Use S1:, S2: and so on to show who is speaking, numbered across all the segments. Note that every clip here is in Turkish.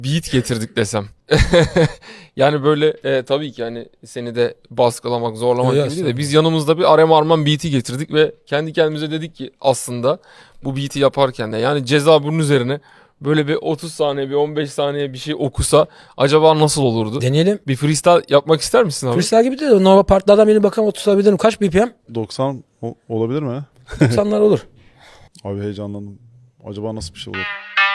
S1: beat getirdik desem. Yani böyle tabii ki hani seni de baskılamak, zorlamak gibi değil de biz yanımızda bir Arem Arman beat'i getirdik ve kendi kendimize dedik ki aslında bu beat'i yaparken de yani Ceza bunun üzerine böyle bir 30 saniye, bir 15 saniye bir şey okusa acaba nasıl olurdu?
S2: Deneyelim.
S1: Bir freestyle yapmak ister misin abi?
S2: Freestyle gibi değil de Nova partlardan birini bakalım oturtabilirim. Kaç BPM?
S3: 90 olabilir mi?
S2: 90'lar olur.
S3: Abi heyecanlandım. Acaba nasıl bir şey olur?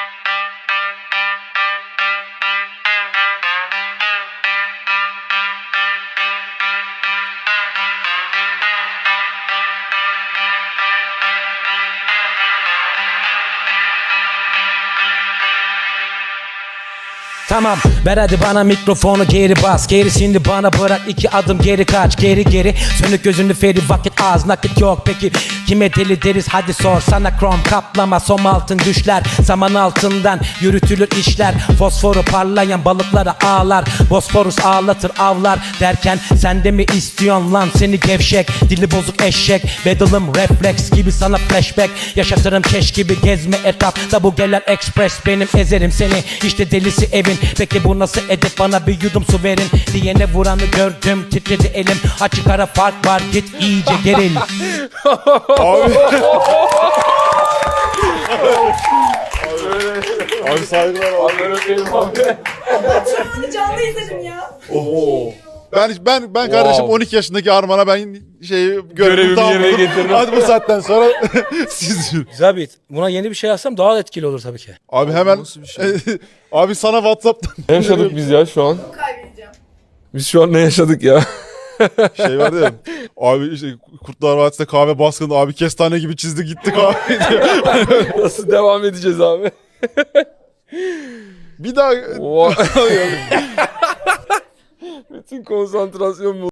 S2: Tamam ver hadi bana mikrofonu geri bas. Gerisini bana bırak 2 adım geri kaç. Geri sönük gözünü feri vakit az nakit yok. Peki kime deli deriz hadi sor. Sana krom kaplama som altın düşler. Saman altından yürütülür işler. Fosforu parlayan balıklara ağlar. Bosporus ağlatır avlar derken sen de mi istiyorsun lan seni gevşek. Dili bozuk eşek. Bedelım refleks gibi sana flashback. Yaşatırım keş gibi gezme etrafta bu gelen express. Benim ezerim seni işte delisi evin. Peki bu nasıl edep bana bir yudum su verin. Diyene vuranı gördüm titredi elim. Açık ara fark var git iyice geril.
S3: Abi. Abi saygılar abi.
S4: Canlı izledim ya.
S3: Oho. Ben kardeşim 12 yaşındaki Arman'a ben görevimi
S1: yerine getirdim.
S3: Hadi bu saatten sonra siz.
S2: Güzel beat. Buna yeni bir şey yazsam daha etkili olur tabii ki.
S3: Abi hemen abi sana WhatsApp'tan
S1: Ne yaşadık biz ya şu an?
S4: Kaybedeceğim.
S1: Biz şu an ne yaşadık ya?
S3: şey vardı ya. Abi işte Kurtlar Vadisi'nde kahve baskını abi kestane gibi çizdi gitti kahve diyor.
S1: Nasıl devam edeceğiz abi?
S3: Bir daha
S1: Bütün konsantrasyon